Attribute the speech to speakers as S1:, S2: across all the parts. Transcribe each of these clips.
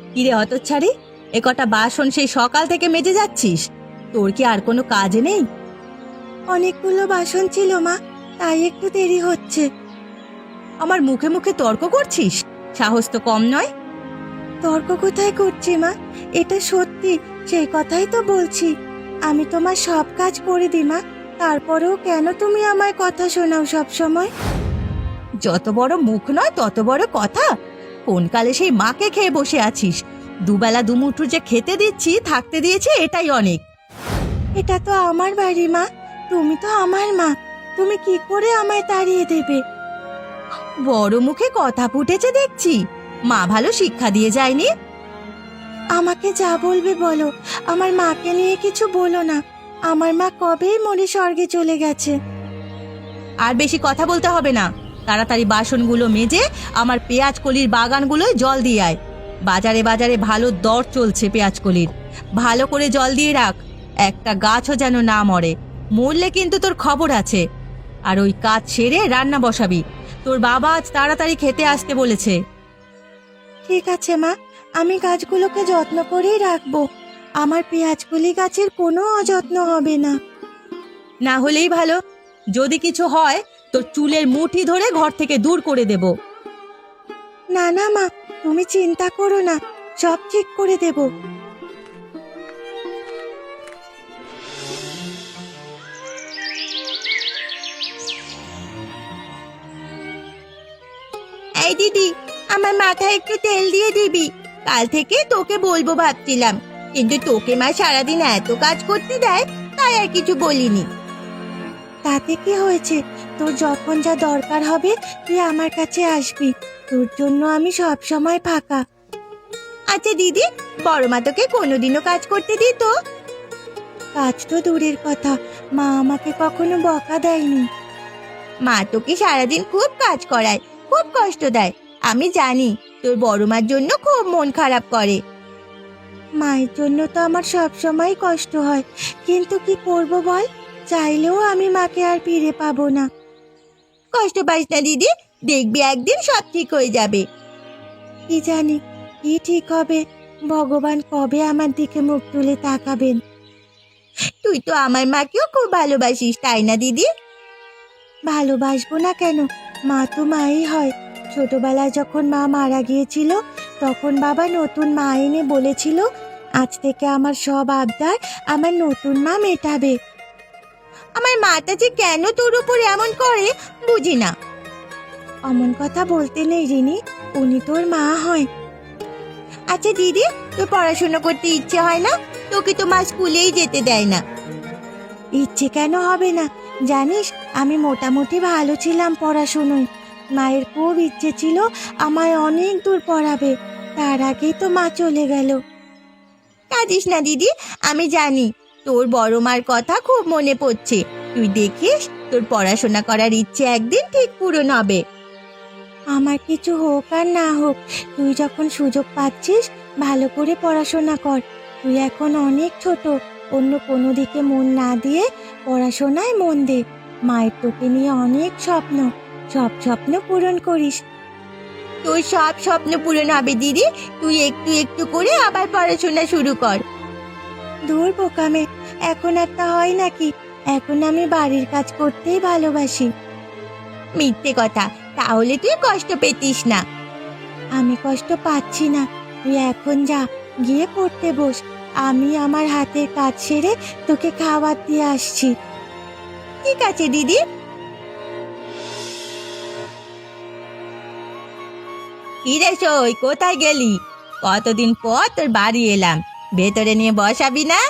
S1: কিরে হতচ্ছাড়ি, এ কটা বাসন সেই সকাল থেকে মেজে যাচ্ছিস? তোর কি আর কোনো কাজ নেই?
S2: অনেকগুলো বাসন ছিল মা, তাই একটু দেরি হচ্ছে।
S1: আমার মুখে মুখে তর্ক করছিস? সাহস তো কম নয়।
S2: তর্ক কোথায় করছি মা, এটা সত্যি, সেই কথাই তো বলছি। আমি তোমার সব কাজ করে দিই মা, তারপরেও কেন তুমি আমায় কথা শোনাও সব সময়?
S1: যত বড় মুখ নয় তত বড় কথা। কোন কালে সেই মাকে খেয়ে বসে আছিস? দুবেলা দুমুঠো যে খেতে দিচ্ছি, থাকতে দিয়েছি, এটাই অনেক।
S2: এটা তো আমার বাড়ি মা, তুমি তো আমার মা, তুমি কি করে আমায় তাড়িয়ে দেবে?
S1: বড় মুখে কথা ফুটেছে দেখছি। মা ভালো শিক্ষা দিয়ে যায়নি?
S2: আমাকে যা বলবে বলো, আমার মাকে নিয়ে কিছু বলো না। আমার মা কবেই মরে স্বর্গে চলে গেছে।
S1: আর বেশি কথা বলতে হবে না। তাড়াতাড়ি বাসনগুলো মেজে আমার পেঁয়াজ কলির বাগানগুলোয় জল দিয়ে আয়। বাজারে বাজারে ভালো দর চলছে পেঁয়াজ কলির। ভালো করে জল দিয়ে রাখ, একটা গাছও যেন না মরে। মরলে কিন্তু তোর খবর আছে। আর ওই কাজ সেরে রান্না বসাবি। তোর বাবা আজ তাড়াতাড়ি খেতে আসতে বলেছে।
S2: ঠিক আছে মা, আমি গাছগুলোকে যত্ন করেই রাখবো। আমার পেঁয়াজকলি গাছের কোনো অযত্ন হবে না।
S1: না হলেই ভালো। যদি কিছু হয় তোর চুলের মুঠি ধরে ঘর থেকে দূর করে দেব।
S2: না না মা, তুমি চিন্তা করো না, সব ঠিক করে দেব।
S1: এই দিদি, আমার মাথায় একটু তেল দিয়ে দিবি। কাল থেকে তোকে বলবো ভাবছিলাম, কিন্তু তোকে মা সারাদিন এত কাজ করতে দেয়, তাই আর কিছু বলিনি।
S2: তাতে কি হয়েছে? তোর যখন যা দরকার হবে তুই আমার কাছে আসবি, তোর জন্য আমি সব সময় ফাঁকা।
S1: আচ্ছা দিদি, বড় মা তোকে কোনোদিনও কাজ করতে দিত?
S2: কাজ তো দূরের কথা, মা আমাকে কখনো বকা দেয়নি।
S1: মা তোকে সারাদিন খুব কাজ করায়, খুব কষ্ট দেয়। আমি জানি তোর বড় মার জন্য খুব মন খারাপ করে।
S2: মায়ের জন্য তো আমার সব সময় কষ্ট হয়, কিন্তু কি করব বল, চাইলেও আমি মাকে আর ফিরে পাবো না।
S1: কষ্ট পাস না দিদি, দেখবি একদিন সব ঠিক হয়ে যাবে।
S2: কি জানি কি ঠিক হবে, ভগবান কবে আমার দিকে মুখ তুলে তাকাবেন।
S1: তুই তো আমার মাকেও খুব ভালোবাসিস, তাই না দিদি?
S2: ভালোবাসবো না কেন, মা তো মাই হয়। ছোটবেলায় যখন মা মারা গিয়েছিল, তখন বাবা নতুন মা এনে বলেছিল আজ থেকে আমার সব আবদার আমার নতুন মা মেটাবে।
S1: আমার মাটা যে কেন তোর উপর এমন করে বুঝি না।
S2: অমন কথা বলতে নেই রিনি, উনি তোর মা হয়।
S1: আচ্ছা দিদি, তোর পড়াশোনা করতে ইচ্ছে হয় না? তোকে তো মা স্কুলেই যেতে দেয় না।
S2: ইচ্ছে কেন হবে না, জানিস আমি মোটামুটি ভালো ছিলাম পড়াশুনোয়। মায়ের খুব ইচ্ছে ছিল আমায় অনেক দূর পড়াবে, তার আগেই তো মা চলে গেল।
S1: কাঁদিস না দিদি, আমি জানি তোর বড় মার কথা খুব মনে পড়ছে। তুই দেখিস তোর পড়াশোনা করার ইচ্ছে একদিন ঠিক পূরণ হবে।
S2: আমার কিছু হোক আর না হোক, তুই যখন সুযোগ পাচ্ছিস ভালো করে পড়াশোনা কর। তুই এখন অনেক ছোট, অন্য কোনো দিকে মন না দিয়ে পড়াশোনায় মন দে। মায়ের তোকে নিয়ে অনেক স্বপ্ন, সব স্বপ্ন পূরণ করিস।
S1: তোর সব স্বপ্ন পূরণ হবে দিদি, তুই একটু একটু করে আবার পড়াশোনা শুরু কর।
S2: দূর বোকামে, এখন আর তা হয় নাকি? এখন আমি বাড়ির কাজ করতেই ভালোবাসি।
S1: মিথ্যে কথা, তাহলে তুই কষ্ট পেতিস না।
S2: আমি কষ্ট পাচ্ছি না, তুই এখন যা, গিয়ে পড়তে বস। আমি আমার হাতের কাজ সেরে তোকে খাবার দিয়ে আসছি।
S1: ঠিক আছে দিদি। কিরে সই, কোথায় গেলি? কতদিন পর তোর বাড়ি এলাম, ভেতরে নিয়ে বসাবি না?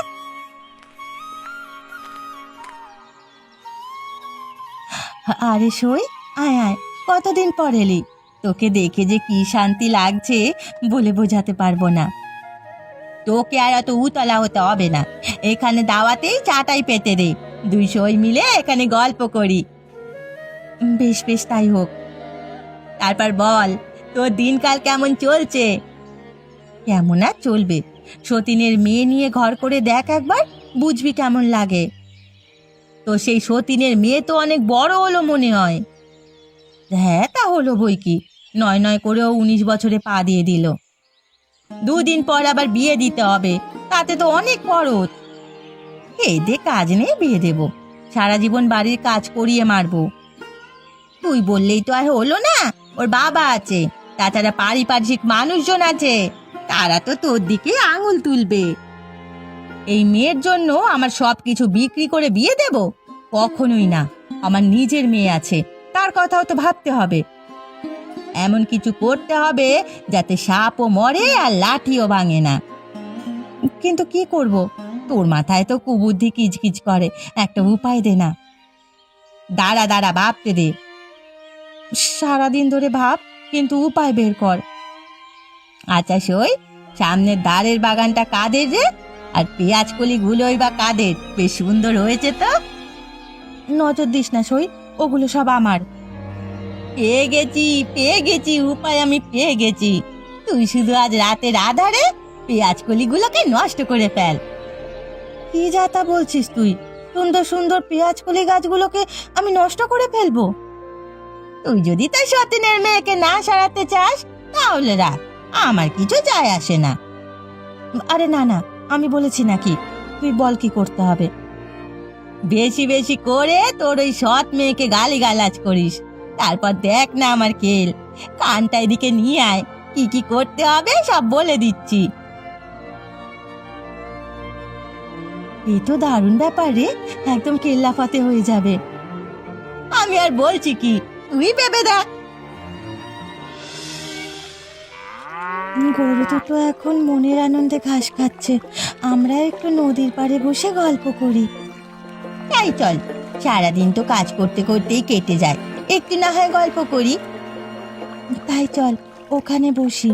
S1: আরে সই, আয় আয়, কতদিন পর এলি। তোকে দেখে যে কি শান্তি লাগছে বলে বোঝাতে পারবো না। তোকে আর অত উতলা হতে হবে না, এখানে দাওয়াতেই চাটাই পেতে দে। দুই সই মিলে এখানে গল্প করি। বেশ বেশ, তাই হোক। তারপর বল, তোর দিনকাল কেমন চলছে? কেমন আর চলবে, সতীনের মেয়ে নিয়ে ঘর করে দেখ একবার, বুঝবি কেমন লাগে। তো সেই সতীনের মেয়ে তো অনেক বড় হলো মনে হয়। হ্যাঁ তা হলো বই কি, নয় নয় করেও 19 বছরে পা দিয়ে দিল। দুদিন পর আবার বিয়ে দিতে হবে, তাতে তো অনেক খরচ। এদের কাজ নেই, বিয়ে দেব, সারা জীবন বাড়ির কাজ করিয়ে মারবো। তুই বললেই তো আর হলো না, ওর বাবা আছে, তাছাড়া পারিপার্শ্বিক মানুষজন আছে, তারা তো তোর দিকে আঙুল তুলবে। এই মেয়ের জন্য আমার সবকিছু বিক্রি করে বিয়ে দেব? কখনোই না। আমার নিজের মেয়ে আছে, তার কথাও তো ভাবতে হবে। এমন কিছু করতে হবে যাতে সাপও মরে আর লাঠিও ভাঙে না। কিন্তু কি করব, তোর মাথায় তো কুবুদ্ধি কিচকিচ করে, একটা উপায় দে না। দাঁড়া দাঁড়া, ভাবতে দে। সারাদিন ধরে ভাব, কিন্তু উপায় বের কর। আচ্ছা সই, সামনের দ্বারের বাগানটা কাদের রে? আর পেঁয়াজ কলিগুলোই বা কাদের? বেশ সুন্দর হয়েছে তো। নজর দিস না সই, ওগুলো সব আমার। পেয়ে গেছি, উপায় আমি পেয়ে গেছি। তুই শুধু আজ রাতের আধারে পেঁয়াজ কলিগুলোকে নষ্ট করে ফেল। কি যা তা বলছিস তুই? সুন্দর সুন্দর পেঁয়াজ কলি গাছগুলোকে আমি নষ্ট করে ফেলবো? তুই যদি তাই সতীনের মেয়েকে না সারাতে চাস তাহলে রাখ, আমার কিছু যায় আসে না। আরে না না, আমি বলেছি নাকি? তুই বল কি করতে হবে। বেশি বেশি করে তোর ওই সৎ মেয়েকে গালিগালাজ করিস, তারপর দেখ না আমার খেল। কানটা এদিকে নিয়ে আয়, কি কি করতে হবে সব বলে দিচ্ছি। এই তো দারুণ ব্যাপার রে, একদম কেল্লাফাতে হয়ে যাবে। আমি আর বলছি কি, তুই ভেবে দেখ।
S2: গরু দুটো এখন মনের আনন্দে ঘাস খাচ্ছে, আমরা একটু নদীর পাড়ে বসে গল্প করি।
S1: তাই চল, সারাদিন তো কাজ করতে করতেই কেটে যায়, একটু না হয় গল্প করি।
S2: তাই চল, ওখানে বসি।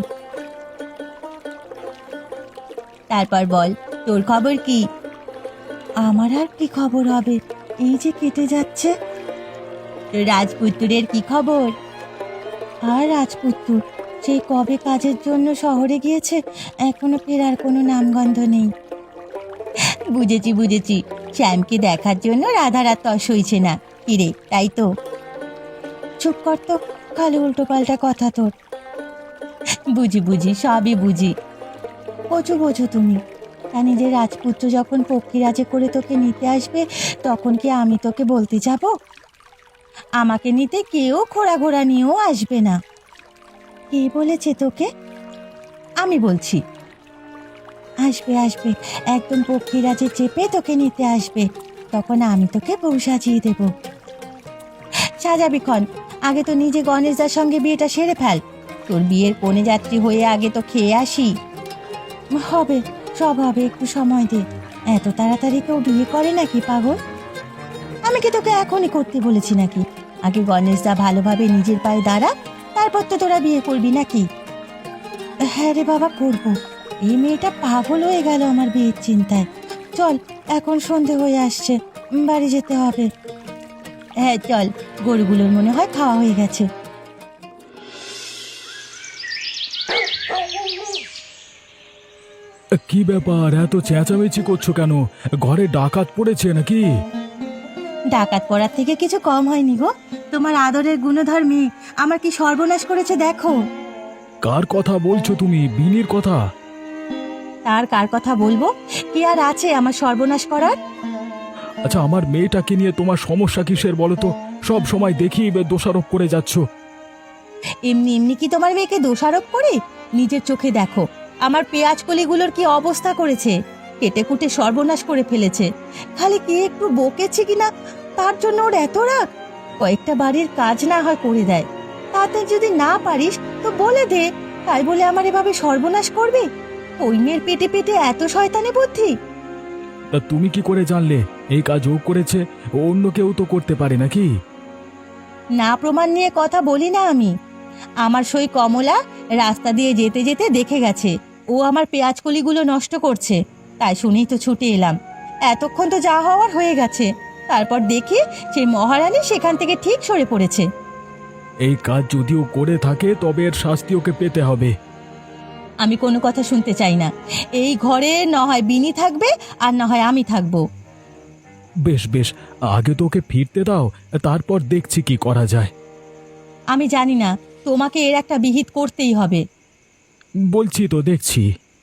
S1: তারপর বল, তোর খবর কি?
S2: আমার আর কি খবর হবে, এই যে কেটে যাচ্ছে।
S1: তোর রাজপুত্রের কি খবর?
S2: আর রাজপুত্র সেই কবে কাজের জন্য শহরে গিয়েছে, এখনো ফেরার কোনো নামগন্ধ নেই।
S1: বুঝেছি বুঝেছি, শ্যামকে দেখার জন্য রাধার আর তর সইছে না, কিরে তাই তো?
S2: চুপ কর তো, খালি উল্টো পাল্টা কথা তোর।
S1: বুঝি বুঝি, সবই বুঝি।
S2: বোঝো বোঝো তুমি, তা নিজের রাজপুত্র যখন পক্ষীরাজে করে তোকে নিতে আসবে, তখন কি আমি তোকে বলতে যাব?
S1: আমাকে নিতে কেউ খোড়া ঘোড়া নিয়েও আসবে না।
S2: কে বলেছে তোকে?
S1: আমি বলছি।
S2: আসবে আসবে, একদম পক্ষীরাজে চেপে তোকে নিতে আসবে, তখন আমি তোকে বউ সাজিয়ে দেব।
S1: সাজাবি ক্ষণ, আগে তো নিজে গণেশদার সঙ্গে বিয়েটা সেরে ফেল। তোর বিয়ের কনে যাত্রী হয়ে আগে তো খেয়ে আসি।
S2: হবে, সব হবে, একটু সময় দে। এত তাড়াতাড়ি কেউ বিয়ে করে নাকি পাগল?
S1: আমি কি তোকে এখনই করতে বলেছি নাকি? আগে গণেশদা ভালোভাবে নিজের পায়ে দাঁড়া, তারপর তো তোরা বিয়ে করবি নাকি?
S2: হ্যাঁ রে বাবা, করবো। এই মেয়েটা পাগল হয়ে গেল আমার বিয়ের চিন্তায়। চল, এখন সন্ধে হয়ে আসছে, বাড়ি যেতে হবে।
S1: হ্যাঁ চল, গরুগুলোর মনে হয় খাওয়া হয়ে গেছে।
S3: কি ব্যাপার, এত চেঁচামেচি করছো কেন? ঘরে ডাকাত পড়েছে নাকি?
S1: ডাকাত পড়ার থেকে কিছু কম হয়নি গো। তোমার আদরের গুণধর মেয়ে আমার কি সর্বনাশ করেছে দেখো।
S3: কার কথা বলছো তুমি? বিনির কথা?
S1: তার কার কথা বলবো? কি আর আছে আমার সর্বনাশ করার?
S3: আচ্ছা, আমার মেয়েটাকে নিয়ে তোমার সমস্যা কিসের বলো তো? সব সময় দেখি দোষারোপ করে যাচ্ছ।
S1: এমনি এমনি কি তোমার মেয়েকে দোষারোপ করে? নিজের চোখে দেখো আমার পেঁয়াজ কলিগুলোর কি অবস্থা করেছে, কেটে কুটে সর্বনাশ করে ফেলেছে। খালি কি একটু বকেছে কিনা তার জন্য ওর এত রাগ। কয়েকটা বাড়ির কাজ না হয় করে দেয়, তাতে যদি না পারিস তো বলে দে, তাই বলে আমার এভাবে সর্বনাশ করবে? ওই মেয়ের পেটে পেটে এত শয়তানি বুদ্ধি।
S3: তা তুমি কি করে জানলে এই কাজ ও করেছে? অন্য কেউ তো করতে পারে নাকি?
S1: না প্রমাণ নিয়ে কথা বলি না আমি। আমার সই কমলা রাস্তা দিয়ে যেতে যেতে দেখে গেছে ও আমার পেঁয়াজ কলিগুলো নষ্ট করছে, তাই শুনেই তো ছুটে এলাম। এতক্ষণ তো যা হওয়ার হয়ে গেছে, তারপর দেখি সেই মহারানী সেখান থেকে ঠিক সরে পড়েছে।
S3: এই কাজ যদিও করে থাকে তবে এর শাস্তি ওকে পেতে হবে।
S1: আমি কোনো কথা শুনতে চাই না। এই ঘরে না হয় বিনি থাকবে আর না হয় আমি থাকবো।
S3: বেশ বেশ, আগে তো ওকে ফিরতে দাও, তারপর দেখছি কি করা যায়।
S1: আমি জানি না, তোমাকে এর একটা বিহিত করতেই হবে।
S3: বলছি তো, দেখছি।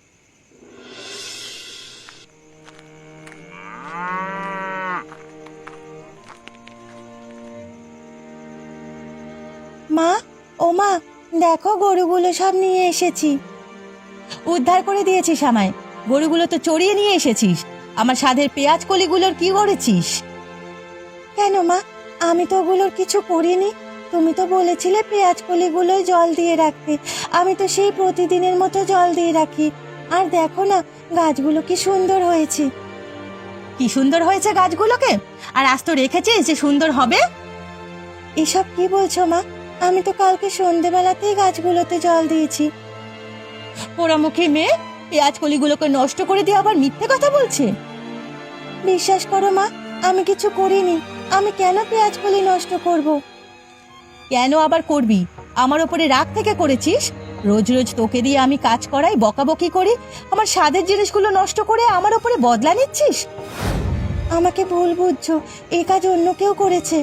S2: মা, ও মা, দেখো গরুগুলো সব নিয়ে এসেছি।
S1: উদ্ধার করে দিয়েছিস আমায়। গরুগুলো তো চড়িয়ে নিয়ে এসেছিস। আমার স্বাদের পেঁয়াজ কলিগুলোর কি করেছিস?
S2: কেন মা, আমি তো ওগুলোর কিছু করিনি। তুমি তো বলেছিলে পেঁয়াজ কলিগুলোয় জল দিয়ে রাখতে। আমি তো সেই প্রতিদিনের মতো জল দিয়ে রাখি। আর দেখো না, গাছগুলো কি সুন্দর হয়েছে।
S1: কি সুন্দর হয়েছে গাছগুলোকে! আর আজ তো রেখেছিস যে সুন্দর হবে।
S2: এসব কি বলছো মা? আমি তো কালকে সন্ধেবেলাতেই গাছগুলোতে জল দিয়েছি।
S1: পোড়ামুখী মেয়ে পেঁয়াজ কলিগুলোকে নষ্ট করে দিয়ে আবার মিথ্যে কথা বলছে।
S2: বিশ্বাস করো মা, আমি কিছু করিনি। আমি কেন পেঁয়াজ কলি নষ্ট করব?
S1: কেন আবার করবি? আমার ওপরে রাগ থেকে করেছিস? রোজ রোজ তোকে দিয়ে আমি কাজ করাই, বকাবকি করি, আমার স্বাদের জিনিসগুলো নষ্ট করে আমার ওপরে বদলা নিচ্ছিস।
S2: আমাকে ভুল বুঝছো, এই কাজ অন্য কেউ করেছে।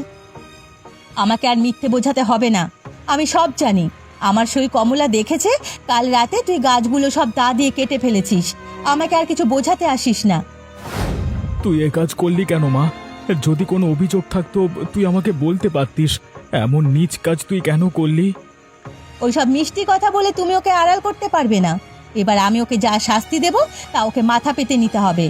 S1: আমাকে আর মিথ্যে বোঝাতে হবে না। আমি সব জানি। আমার সই কমলা দেখেছে কাল রাতে তুই গাছগুলো সব দা দিয়ে কেটে ফেলেছিস। আমাকে আর কিছু বোঝাতে আসিস না।
S3: তুই এ কাজ করলি কেন মা? যদি কোনো অভিযোগ থাকতো তুই আমাকে বলতে পারতিস। এমন নীচ কাজ তুই কেন করলি?
S1: ওইসব মিষ্টি কথা বলে তুমি ওকে আড়াল করতে পারবে না। এবার আমি ওকে যা শাস্তি দেব তা ওকে মাথা পেতে নিতে হবে।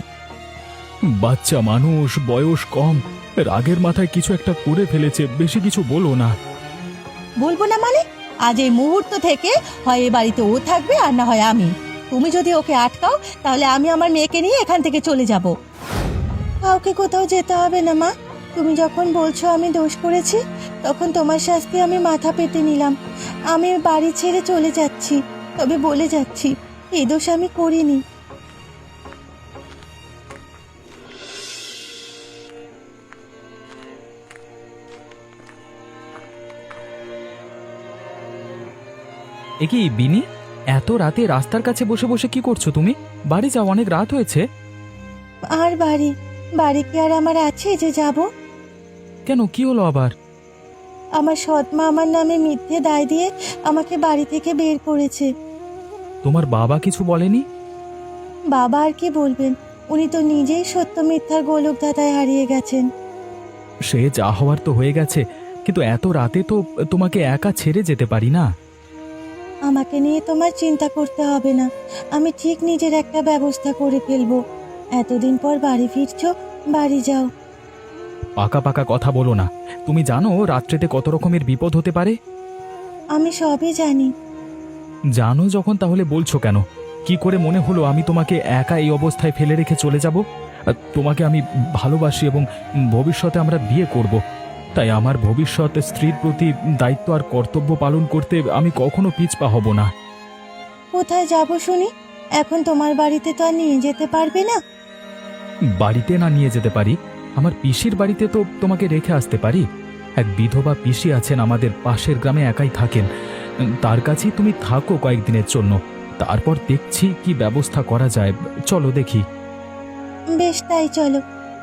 S3: বাচ্চা মানুষ, বয়স কম, রাগের মাথায় কিছু একটা করে ফেলেছে, বেশি কিছু বলো না।
S1: বলবো না মানে? আজ এই মুহূর্ত থেকে হয় এ বাড়িতে ও থাকবে আর না হয় আমি। তুমি যদি ওকে আটকাও তাহলে আমি আমার মেয়েকে নিয়ে এখান থেকে চলে যাব।
S2: কাউকে কোথাও যেতে হবে না মা। তুমি যখন বলছো আমি দোষ করেছি, তখন তোমার শাস্তি আমি মাথা পেতে নিলাম। আমি বাড়ি ছেড়ে চলে যাচ্ছি। তবে বলে যাচ্ছি, এই দোষ আমি করিনি।
S4: এ কি বিনি, এত রাতে রাস্তার কাছে বসে বসে কি করছো তুমি? বাড়ি যাও, অনেক রাত হয়েছে।
S2: আর বাড়ি বাড়ি কি আর আমার আছে যে যাব?
S4: কেন, কি হলো আবার?
S2: আমার সৎ মা আমার নামে মিথ্যে দায় দিয়ে আমাকে বাড়ি থেকে বের করেছে।
S4: তোমার বাবা কিছু বলেনি?
S2: বাবা আর কি বলবেন? উনি তো নিজেই সত্য মিথ্যার গোলক ধাঁধায় হারিয়ে গেছেন।
S4: সে যা হওয়ার তো হয়ে গেছে, কিন্তু এত রাতে তো তোমাকে একা ছেড়ে যেতে পারি না।
S2: আমাকে নিয়ে তোমার চিন্তা করতে হবে না। আমি ঠিক নিজের একটা ব্যবস্থা করে ফেলবো। এতদিন পর বাড়ি ফিরছো, বাড়ি যাও।
S4: পাকা পাকা কথা বলো না। তুমি জানো রাত্রেতে কত রকমের বিপদ হতে পারে?
S2: আমি সবই জানি।
S4: জানো যখন তাহলে বলছো কেন? কি করে মনে হলো আমি তোমাকে একা এই অবস্থায় ফেলে রেখে চলে যাব? তোমাকে আমি ভালোবাসি এবং ভবিষ্যতে আমরা বিয়ে করব। তাই আমার ভবিষ্যৎ স্ত্রীর প্রতি দায়িত্ব আর কর্তব্য পালন করতে আমি কখনো পিছপা হব না।
S2: কোথায় যাব শুনি? এখন তোমার বাড়িতে তো আর নিয়ে যেতে পারবে না।
S4: বাড়িতে না নিয়ে যেতে পারি, আমার পিসির বাড়িতে তো তোমাকে রেখে আসতে পারি। এক বিধবা পিসি আছেন আমাদের পাশের গ্রামে, একাই থাকেন। তার কাছেই তুমি থাকো কয়েকদিনের জন্য, তারপর দেখছি কি ব্যবস্থা করা যায়। চলো দেখি।
S2: বেশ, তাই চলো।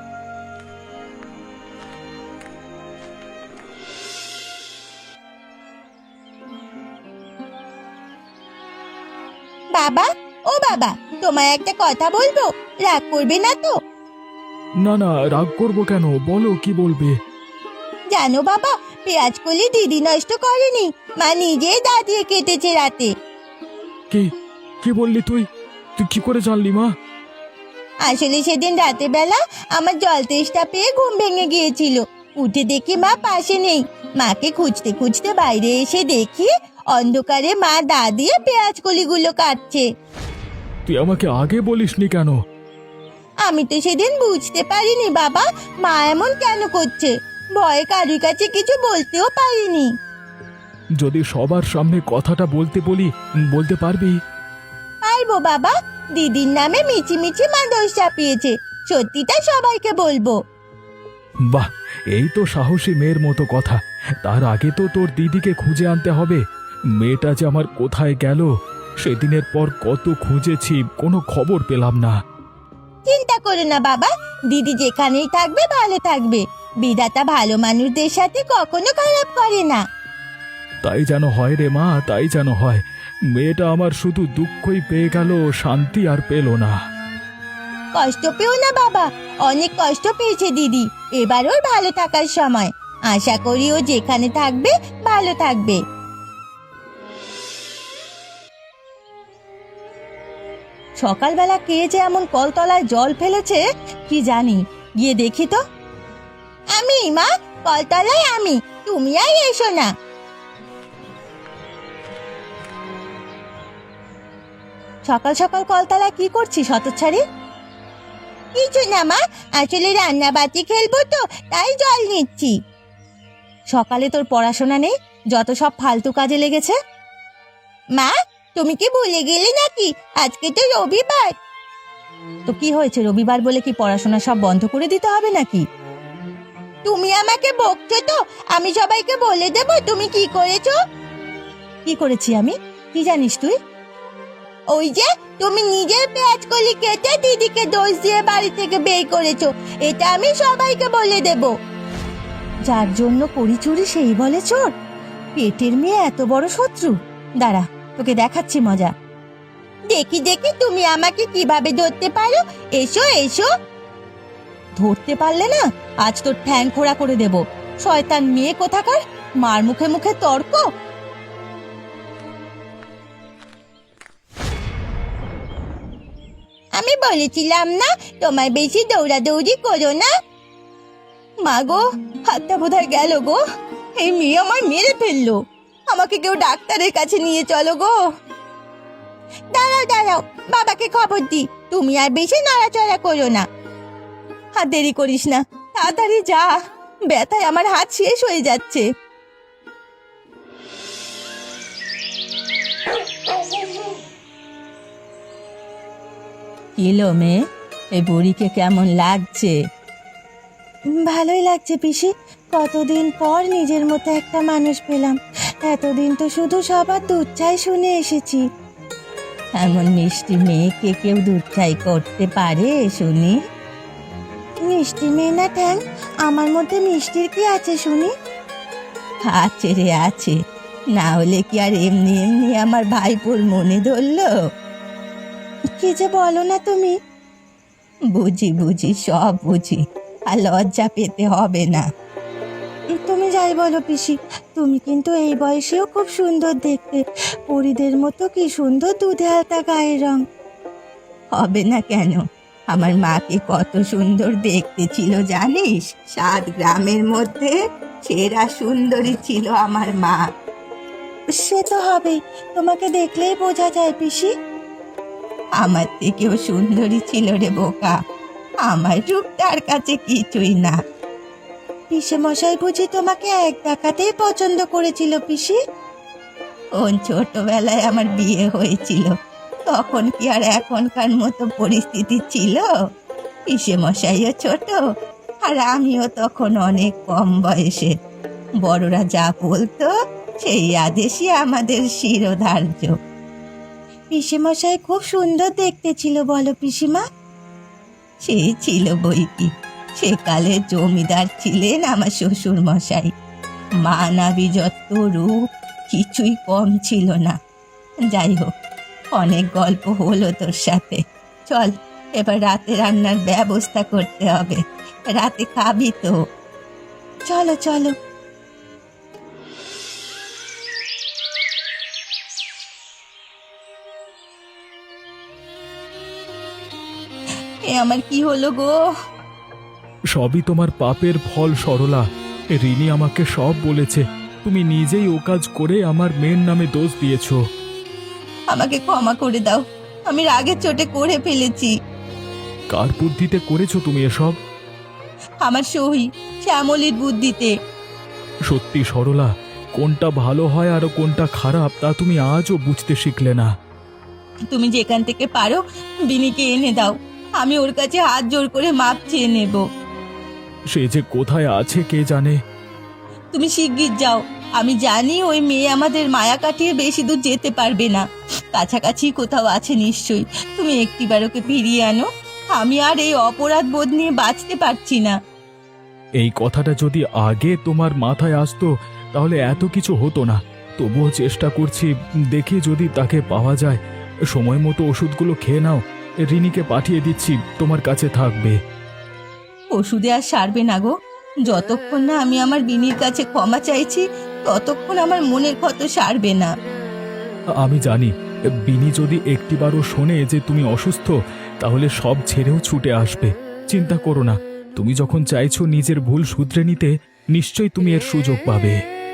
S1: বাবা, ও বাবা, তোমায় একটা কথা বলবো, রাগ করবে না তো?
S3: না না, রাগ করবো কেন? বলো, কি বলবে?
S1: জানো বাবা, পেঁয়াজ কলি দিদি নষ্ট করেনি, মা নিজেই দা দিয়ে কেটেছে রাতে।
S3: কি কি বললি তুই? তুই কি করে জানলি মা?
S1: আসলে সেদিন রাতে বেলা আমার জল তেষ্টা পেয়ে ঘুম ভেঙে গিয়েছিল। উঠে দেখি মা পাশে নেই। মাকে খুঁজতে খুঁজতে বাইরে এসে দেখি অন্ধকারে মা দা দিয়ে পেঁয়াজ কলিগুলো কাটছে।
S3: তুই আমাকে আগে বলিসনি কেন?
S1: আমি তো সেদিন বুঝতে পারিনি বাবা, মা এমন কেন করছে। ভয়ে কারুর কাছে কিছু বলতেও পারিনি।
S3: যদি সবার সামনে কথাটা বলতে বলি, বলতে পারবি?
S1: পারবো বাবা, দিদির নামে মিছিমিছি মা দোষ চাপিয়েছে, সত্যিটা সবাইকে বলবো।
S3: বাহ, এই তো সাহসী মেয়ের মতো কথা। তার আগে তো তোর দিদিকে খুঁজে আনতে হবে। মেয়েটা যে আমার কোথায় গেল, সেদিনের পর কত খুঁজেছি, কোনো খবর পেলাম না।
S1: চিন্তা করো না বাবা, দিদি যেখানেই থাকবে ভালো থাকবে। বিধাতা ভালো মানুষদের সাথে কখনো খারাপ করে না।
S3: তাই যেন হয় রে মা, তাই যেন হয়। মেয়েটা আমার শুধু দুঃখই পেয়ে গেল, শান্তি আর পেল না।
S1: কষ্ট পেও না বাবা, অনেক কষ্ট পেয়েছে দিদি। এবার ওর ভালো থাকার সময়। আশা করি ও যেখানে থাকবে ভালো থাকবে। সকালবেলা কে যে এমন কলতলায় জল ফেলেছে কি জানি, গিয়ে দেখি তো। আমি মা, কলতলায় আমি, তুমি আর এসো না। সকাল সকাল কলতলায় কি করছিস হতচ্ছাড়ি? কিছু না মা, আসলে রান্না বাতি খেলবো তো, তাই জল নিচ্ছি। সকালে তোর পড়াশোনা নেই, যত সব ফালতু কাজে লেগেছে। মা, তুমি কি ভুলে গেলে নাকি আজকে তো রবিবার? তো কি হয়েছে, রবিবার বলে কি পড়াশোনা সব বন্ধ করে দিতে হবে নাকি? তুমি আমাকে বকছো তো, আমি সবাইকে বলে দেব তুমি কি করেছো। কি করেছি আমি, কি জানিস তুই? ওই যে তুমি নিজের পেঁয়াজ কলি কেটে দিদিকে দোষ দিয়ে বাড়ি থেকে বের করেছো, এটা আমি সবাইকে বলে দেব। যার জন্য করি চুরি সেই বলে চোর? পেটের মেয়ে এত বড় শত্রু? দাঁড়া, তোকে দেখাচ্ছি মজা। দেখি দেখি তুমি আমাকে কিভাবে ধরতে পারো, এসো এসো। ধরতে পারলে না, আজ তোর ঠ্যাং খোড়া করে দেব। শয়তান মেয়ে কোথাকার, মার মুখে মুখে তর্ক। আমি বলেছিলাম না তোমায় বেশি দৌড়াদৌড়ি করো না। মা গো, হাতটা বোধহয় গেল গো। এই মেয়ে আমার মেরে ফেললো। আমাকে কেউ ডাক্তারের কাছে নিয়ে চলো গো। দাঁড়াও দাঁড়াও, বাবাকে খবর দি। তুমি আর বেশি নড়াচড়া করো না। আর দেরি করিস না, তাড়াতাড়ি যা, ব্যথায় আমার হাত শেষ হয়ে যাচ্ছে। কিলো মেয়ে, এই বুড়িকে কেমন লাগছে?
S2: ভালোই লাগছে পিসি, কতদিন পর নিজের মতো একটা মানুষ পেলাম। এতদিন তো শুধু সবার দুধ চাই শুনে এসেছি।
S1: এমন মিষ্টি মেয়েকে কেউ দুধ চাই করতে পারে শুনি?
S2: মিষ্টি মেয়ে না ঠ্যাং, আমার মধ্যে মিষ্টির কি আছে শুনি?
S1: আছে রে আছে, না হলে কি আর এমনি এমনি আমার ভাইপোর মনে ধরলো?
S2: কি যে বলো না তুমি।
S1: বুঝি বুঝি, সব বুঝি, আর লজ্জা পেতে হবে না।
S2: তুমি যাই বলো পিসি, তুমি কিন্তু এই বয়সেও খুব সুন্দর দেখতে। পরীদের মতো কি সুন্দর দুধে হালতা গায়ের রং।
S1: হবে না কেন? আমার মাকে কত সুন্দর দেখতে ছিল জানিস? 7 গ্রামের মধ্যে সেরা সুন্দরী ছিল আমার মা।
S2: সে তো হবেই, তোমাকে দেখলেই বোঝা যায় পিসি।
S1: আমার থেকেও সুন্দরী ছিল রে বোকা, আমার রূপ তার কাছে কিছুই না।
S2: পিসে মশাই বুঝি তোমাকে এক দেখাতেই পছন্দ করেছিল পিসি?
S1: কোন ছোটবেলায় আমার বিয়ে হয়েছিল, তখন কি আর এখনকার মতো পরিস্থিতি ছিল? পিসে মশাইও ছোট, আর আমিও তখন অনেক কম বয়সে। বড়রা যা বলতো সেই আদেশই আমাদের শিরোধার্য।
S2: পিসে মশাই খুব সুন্দর দেখতে ছিল বলো পিসিমা?
S1: সেই ছিল বই কি, সেকালে জমিদার ছিলেন আমার শ্বশুর মশাই। মানাবি যত রূপ, কিছুই কম ছিল না। যাই হোক, অনেক গল্প হলো তোর সাথে। চল, এবার রাতে রান্নার ব্যবস্থা করতে হবে। রাতে খাবি তো?
S2: চলো চলো।
S1: এ আমার কি হলো গো?
S3: সবই তোমার পাপের ফল সরলা। রিনি আমাকে সব বলেছে। তুমি নিজেই ও কাজ করে আমার মেয়ের নামে দোষ দিয়েছো।
S1: আমাকে ক্ষমা করে দাও, আমি রাগের চোটে করে ফেলেছি।
S3: কার বুদ্ধিতে করেছো তুমি এসব?
S1: আমার সহি শ্যামলীর বুদ্ধিতে।
S3: সত্যি সরলা, কোনটা ভালো হয় আর কোনটা খারাপ তা তুমি আজও বুঝতে শিখলে না।
S1: তুমি যেখান থেকে পারো বিনিকে এনে দাও, আমি ওর কাছে হাত জোর করে মাপ চেয়ে নেব।
S3: সে যে কোথায় আছে কে জানে।
S1: তুমি শিগগির যাও, আমি জানি ওই মেয়ে আমাদের মায়া কাটিয়ে বেশি দূর যেতে পারবে না। কাছাকাছি কোথাও আছে নিশ্চয়ই, তুমি একটিবার ওকে ফিরিয়ে আনো। আমি আর এই অপরাধ বোধ নিয়ে বাঁচতে পারছি না।
S3: এই কথাটা যদি আগে তোমার মাথায় আসতো তাহলে এত কিছু হতো না। তবুও চেষ্টা করছি, দেখি যদি তাকে পাওয়া যায়। সময় মতো ওষুধগুলো খেয়ে নাও, রিনিকে পাঠিয়ে দিচ্ছি, তোমার কাছে থাকবে।
S1: ওষুধে আর সারবে না গো। যতক্ষণ না আমি আমার বিনির কাছে ক্ষমা চাইছি ততক্ষণ আমার মনের ক্ষত সারবে না।
S3: আমি জানি বিনি যদি একটিবারও শোনে যে তুমি অসুস্থ, তাহলে সব ছেড়েও ছুটে আসবে। চিন্তা করো না, তুমি যখন চাইছো নিজের ভুল শুধরে নিতে, নিশ্চয়ই তুমি এর সুযোগ পাবে।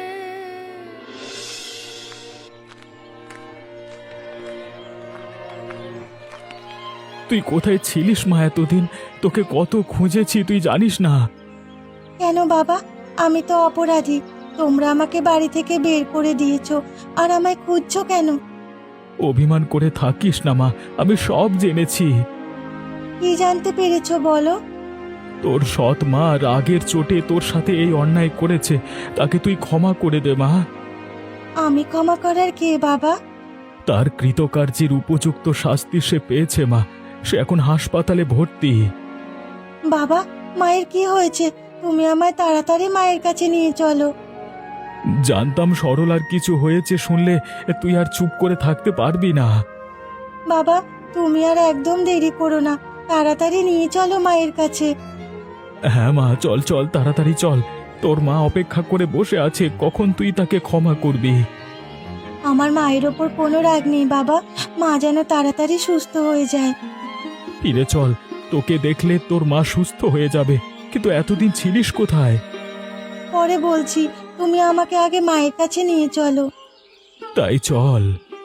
S3: তুই কোথায় ছিলিস মা এতদিন? তোকে কত খুঁজেছি তুই জানিস না।
S2: কেন বাবা, আমি তো অপরাধী। তোমরা আমাকে বাড়ি থেকে বের করে দিয়েছো, আর আমায় খুঁজছো কেন?
S3: অভিমান করে থাকিস না মা, আমি সব জেনেছি।
S2: কি জানতে পেরেছো বলো?
S3: তোর সৎ মা রাগের চোটে তোর সাথে এই অন্যায় করেছে, তাকে তুই ক্ষমা করে দে মা।
S2: আমি ক্ষমা করার কে বাবা?
S3: তার কৃতকার্যের উপযুক্ত শাস্তি সে পেয়েছে মা, সে এখন হাসপাতালে ভর্তি।
S2: বাবা, মায়ের কি হয়েছে? তুমি আমায় তাড়াতাড়ি মায়ের কাছে নিয়ে চলো।
S3: জানতাম সরলার কিছু হয়েছে শুনলে তুই আর চুপ করে থাকতে পারবি না।
S2: বাবা, তুমি আর একদম দেরি করো না, তাড়াতাড়ি নিয়ে চলো মায়ের কাছে।
S3: হ্যাঁ মা, চল চল তাড়াতাড়ি চল। তোর মা অপেক্ষা করে বসে আছে, কখন তুই তাকে ক্ষমা করবি।
S2: আমার মায়ের ওপর কোনো রাগ নেই বাবা, মা যেন তাড়াতাড়ি সুস্থ হয়ে যায়।
S3: ফিরে চল, তোকে দেখলে তোর মা সুস্থ হয়ে যাবে। কিন্তু এতদিন ছিলিস কোথায়?
S2: পরে বলছি, তুমি আমাকে আগে মায়ের কাছে নিয়ে চলো।
S3: তাই চল।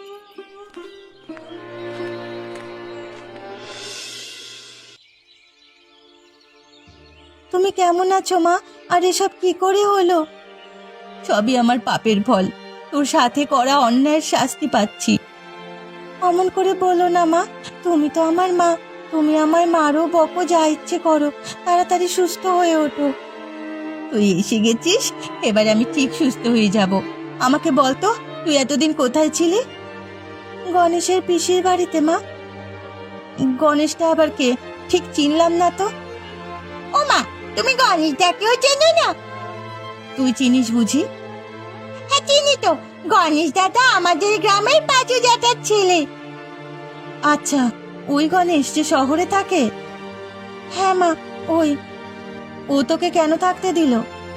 S2: তুমি কেমন আছো মা? আর এসব কি করে হলো?
S1: সবই আমার পাপের ফল। তোর সাথে করা অন্যায়ের শাস্তি পাচ্ছি।
S2: অমন করে বলো না মা, তুমি তো আমার মা। তুমি আমার মারও বকো, যা ইচ্ছে করো, তাড়াতাড়ি সুস্থ হয়ে ওঠো।
S1: তুই এসে গেছিস, এবার আমি ঠিক সুস্থ হয়ে যাব। আমাকে বল তো, তুই এতদিন কোথায় ছিলি?
S2: গণেশের পিসির বাড়িতে মা।
S1: গণেশটা আবার কে? ঠিক চিনলাম না তো।
S2: ও মা, তুমি গণেশ দাকেও চেনো না?
S1: তুই চিনিস বুঝি?
S2: হ্যাঁ চিনি তো, গণেশ দাদা আমাদের গ্রামের পাঁচু জ্যাঠার ছেলে।
S1: আচ্ছা, ওই গণেশ যে শহরে থাকে?
S2: হ্যাঁ মা, ওই।
S1: ও তোকে কেন থাকতে দিল?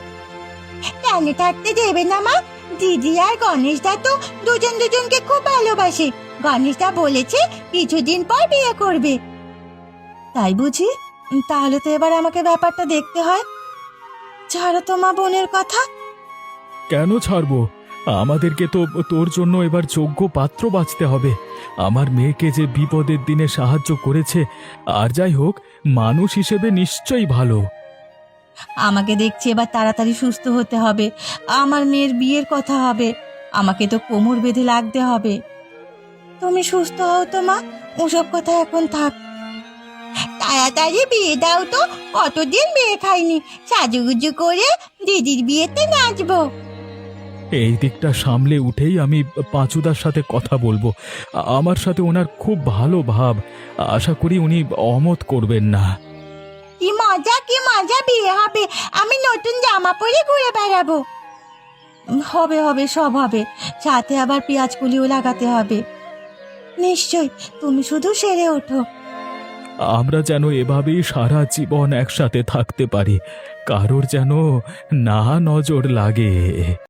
S2: কেন থাকতে দেবে না মা? দিদি আর গণেশ দা তো দুজন দুজনকে খুব ভালোবাসে। গণেশ দা বলেছে কিছুদিন পর বিয়ে করবে।
S1: তাই বুঝি? তাহলে তো এবার আমাকে ব্যাপারটা দেখতে হয়।
S2: ছাড়ো তো মা বোনের কথা।
S3: কেন ছাড়বো? আমাদেরকে তো তোর জন্য এবার যোগ্য পাত্র বাছতে হবে। আমার মেয়েকে যে বিপদের দিনে সাহায্য করেছে, আর যাই হোক, মানুষ হিসেবে নিশ্চয়ই ভালো।
S1: আমাকে দেখছি এবার তাড়াতাড়ি সুস্থ হতে হবে। আমার মেয়ের বিয়ের কথা হবে, আমাকে তো কোমর বেঁধে লাগতে হবে।
S2: তুমি সুস্থ হও তো মা, ওসব কথা এখন থাক। তাড়াতাড়ি বিয়ে দাও তো, কতদিন বিয়ে খাইনি। সাজুগুজু করে দিদির বিয়েতে নাচবো।
S3: এই দিকটা সামলে উঠেই আমি পাঁচুদার সাথে কথা বলবো। আমার সাথে ওনার খুব ভালো ভাব, আশা করি উনি অমত করবেন না।
S2: কি মজা বিয়ে হবে। আমি নতুন জামা পরে ঘুরে বেড়াবো।
S1: হবে হবে, সব হবে। সাথে আবার পেঁয়াজ কলিও লাগাতে হবে।
S2: নিশ্চয়, তুমি শুধু সেরে ওঠো।
S3: আমরা যেন এভাবেই সারা জীবন একসাথে থাকতে পারি, কারোর যেন না নজর লাগে।